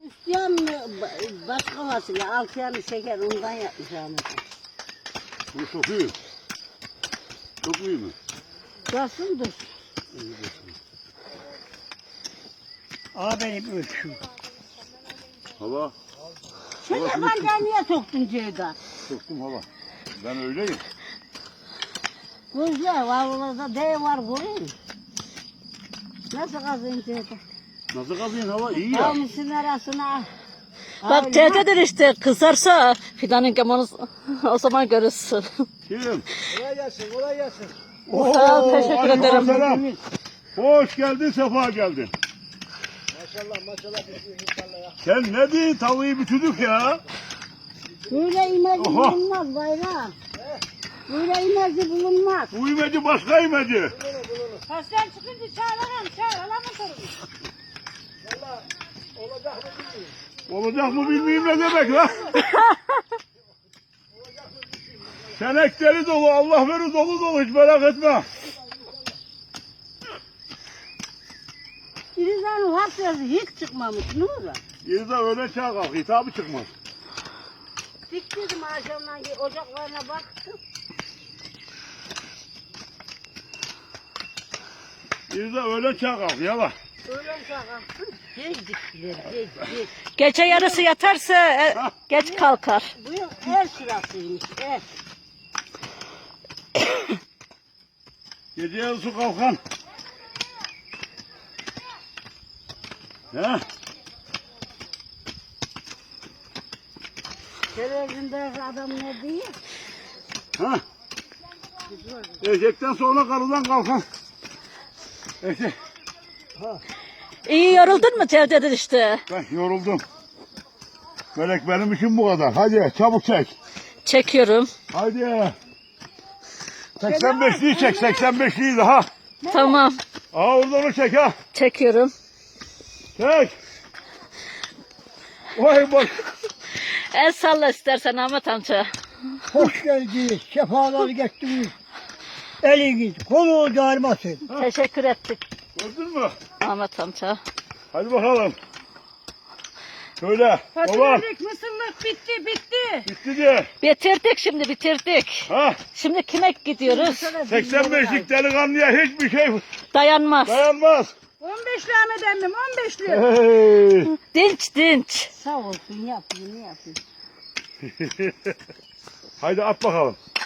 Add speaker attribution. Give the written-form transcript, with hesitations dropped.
Speaker 1: İsteyen mi başka fasulye, altı yanı şeker ondan yapmış Ahmet.
Speaker 2: Bu çok iyi. Çok iyi mi?
Speaker 1: Dursun dur.
Speaker 3: Benim ölçüm.
Speaker 2: Hava.
Speaker 1: Sen yabancıya niye soktun Ceyda?
Speaker 2: Soktum hava. Ben öyleyim.
Speaker 1: Güzel, vallahi D var göreyim. Nasıl kazıyım Ceyda?
Speaker 2: Nasıl kazıyın hava? İyi ya.
Speaker 1: Almışsın arasına.
Speaker 4: Bak tehdit işte kızarsa fidanın kemanı o zaman görürsün.
Speaker 2: Kim?
Speaker 3: Kolay gelsin, kolay gelsin.
Speaker 4: Sağ ol, teşekkür ederim.
Speaker 2: Selam. Hoş geldin, sefa geldin.
Speaker 3: Maşallah, maşallah inşallah ya.
Speaker 2: Sen ne diyorsun? Tavuğu bütüdük ya.
Speaker 1: Böyle imeci
Speaker 2: Oha.
Speaker 1: bulunmaz bayram. Böyle imeci bulunmaz.
Speaker 2: Bu imeci başka imeci.
Speaker 1: Kaçtan çıkınca çağır alamam sorun.
Speaker 3: Valla olacak mı bilmiyorum.
Speaker 2: Olacak mı bilmiyorum ne demek lan. Senekleri dolu, Allah verir dolu dolu hiç merak etme.
Speaker 1: İrizan'ın hafızası hiç çıkmamış ne olur?
Speaker 2: Yine de öyle çağ kalk, hitabı çıkmaz.
Speaker 1: Diktirdim akşamdan ocaklarına baktım.
Speaker 2: Yine de öyle çağ kalk, yala.
Speaker 1: Öğlen kalktım. Geç diktiler, geç.
Speaker 4: Gece yarısı yatarsa geç kalkar.
Speaker 1: Bu yıl el sırasıymış, el.
Speaker 2: Gece yarısı kalkan. He?
Speaker 1: Televizyondaki adam ne diyor?
Speaker 2: Ha? Eşekten sonra karıdan kalkan. Eşek.
Speaker 4: İyi yoruldun mu tehdit işte?
Speaker 2: Ben yoruldum. Melek benim için bu kadar. Hadi çabuk çek.
Speaker 4: Çekiyorum.
Speaker 2: Hadi. 85'liyi çek, 85'liyi daha.
Speaker 4: Tamam.
Speaker 2: Aa oradan onu çek ha.
Speaker 4: Çekiyorum.
Speaker 2: Çek. Vay bak.
Speaker 4: El salla istersen Ahmet amca.
Speaker 3: Hoş geldiniz, sefalar getirdiniz. Eliniz, kolunuz ağrımasın.
Speaker 4: Teşekkür ettik
Speaker 2: Gördün mü?
Speaker 4: Ahmet amca.
Speaker 2: Hadi bakalım. Söyle. Baba.
Speaker 1: Fasulyelik, mısırlık bitti.
Speaker 2: Bitti diye.
Speaker 4: Bitirdik şimdi bitirdik.
Speaker 2: Ha?
Speaker 4: Şimdi kime gidiyoruz?
Speaker 2: 85'lik delikanlıya hiçbir şey
Speaker 4: Dayanmaz.
Speaker 2: dayanmaz.
Speaker 1: 15'li Ahmet emmim, 15'li.
Speaker 2: Hey.
Speaker 4: Dinç dinç.
Speaker 1: Sağ olsun, yapayım.
Speaker 2: Haydi at bakalım.